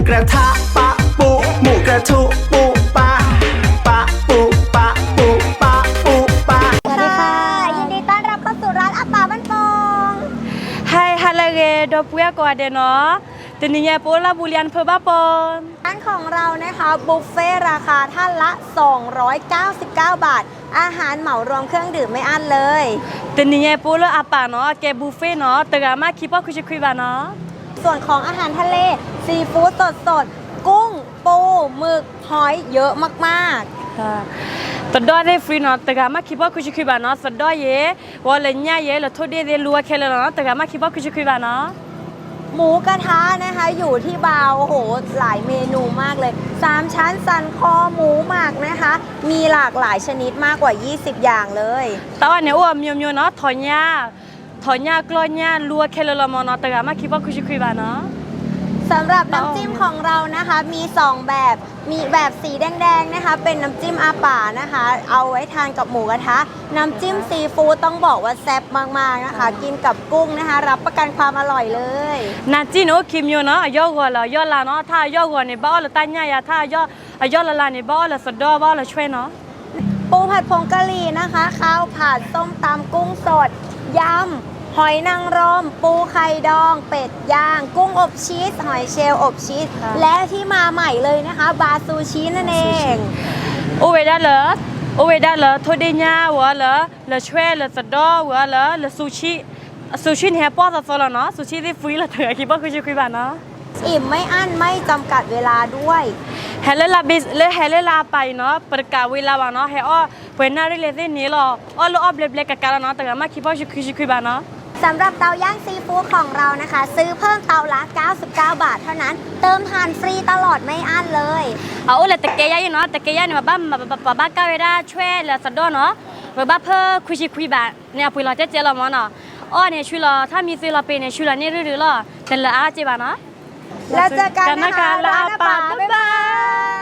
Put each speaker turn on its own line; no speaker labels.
กระทะปะปูหมูกระทุปูปะปะปูปะปูปะปูปะ
สวัสดีค่ะ ยินดีต้อนรับเข้าสู่ร้านอาป่าบ้านโป่ง
Hai halage do puya ko ade no teninya pola bulian phe ba pon
ร้านของเรานะคะบุฟเฟ่ราคาท่านละ 299 บาท อาหารเหมารวมเครื่องดื่มไม่อั้นเลย
teninya pola apa no ke buffet no tegama kipa ku chikui ba no
ส่วนของอาหารทะเลซีฟู้ดสดๆ กุ้ง ปูหมึก หอยเยอะมากๆ
ตดอได้ฟรีเนาะแต่กามาคิดว่าคุยคุยบ้านเนาะสดอเย่วอลเนียเย่แล้วทุเดียรัวแค่เลยเนาะแต่กามาคิดว่าคุยคุยบ้านเนาะ
หมูกระทะนะคะอยู่ที่บาวโอ้โหหลายเมนูมากเลย3ชั้นสันคอหมูหมักนะคะ มีหลากหลายชนิดมากกว่า 20 อย่างเลย
แต่ว่าเนี่ยว่ามีเนาะถอยญากลอยญารัวแค่เลยละมเนาะแต่กามาคิดว่าคุยคุยบ้านเนาะ
สำหรับน้ำจิ้มของเรานะคะมี2แบบมีแบบสีแดงๆนะคะเป็นน้ำจิ้มอาป่านะคะ เอาไว้ทานกับหมูกระทะน้ำจิ้มซีฟู้ดต้องบอกว่าแซ่บมากๆนะคะกินกับกุ้งนะคะรับประกันความอร่อยเลย
นาจีโนคิมโยเนาะย่อกัวละย่อละเนาะถ้าย่อกัวเนี่ยบ้าละตั้งญายาถ้าย่อละละเนี่ยบ้าละสดดอบ้าละช่วยเนาะ
ปูผัดผงกะหรี่นะคะข้าวผัดส้มตำกุ้งสดยำหอยนางรมปูไข่ดองเป็ดย่างกุ้งอบชีสหอยเชลล์อบชีสและที่มาใหม่เลยนะคะบาซูชินั่นเอง
โอเวดาเลโทเดียวัวเลช่วยเลสดอวัวเลซูชิเนี่ยป้อสดๆเนาะซูชิที่ฟรีละเถอะคิดว่าคุยบ้านเนาะ
อิ่มไม่อั้นไม่จำกัดเวลาด้วย
เฮเลลาบิสเลเฮเลลาไปเนาะประกาศเวลาว่าเนาะเฮอ้อเวนนาริเลเซนี่หรออ้อลออบเล็กๆกันเนาะแต่ก็มาคิดว่าคุยบ้านเนาะ
สำหรับเตาย่างซีฟู้ดของเรานะคะ ซื้อเพิ่มเตาละ 99 บาทเท่านั้น เติมทานฟรีตลอดไม่อั้นเลย
เอาเลยตะเกียอยู่เนาะตะเกียเนี่ยมาบ้าก้าวได้ช่วยเลสดอเนาะบ้าเพื่อคุยบ้านเนี่ยปุยเราเจ๊เราเนาะอ้อเนี่ยช่วยเราถ้ามีซื้อเราเป็นเนี่ยช่วยเราเนี่ยรื้อๆแต่ละอาเจ๊บ้านเนาะ
แล้วเจอกันนะคะร้านอาป่าบ๊ายบาย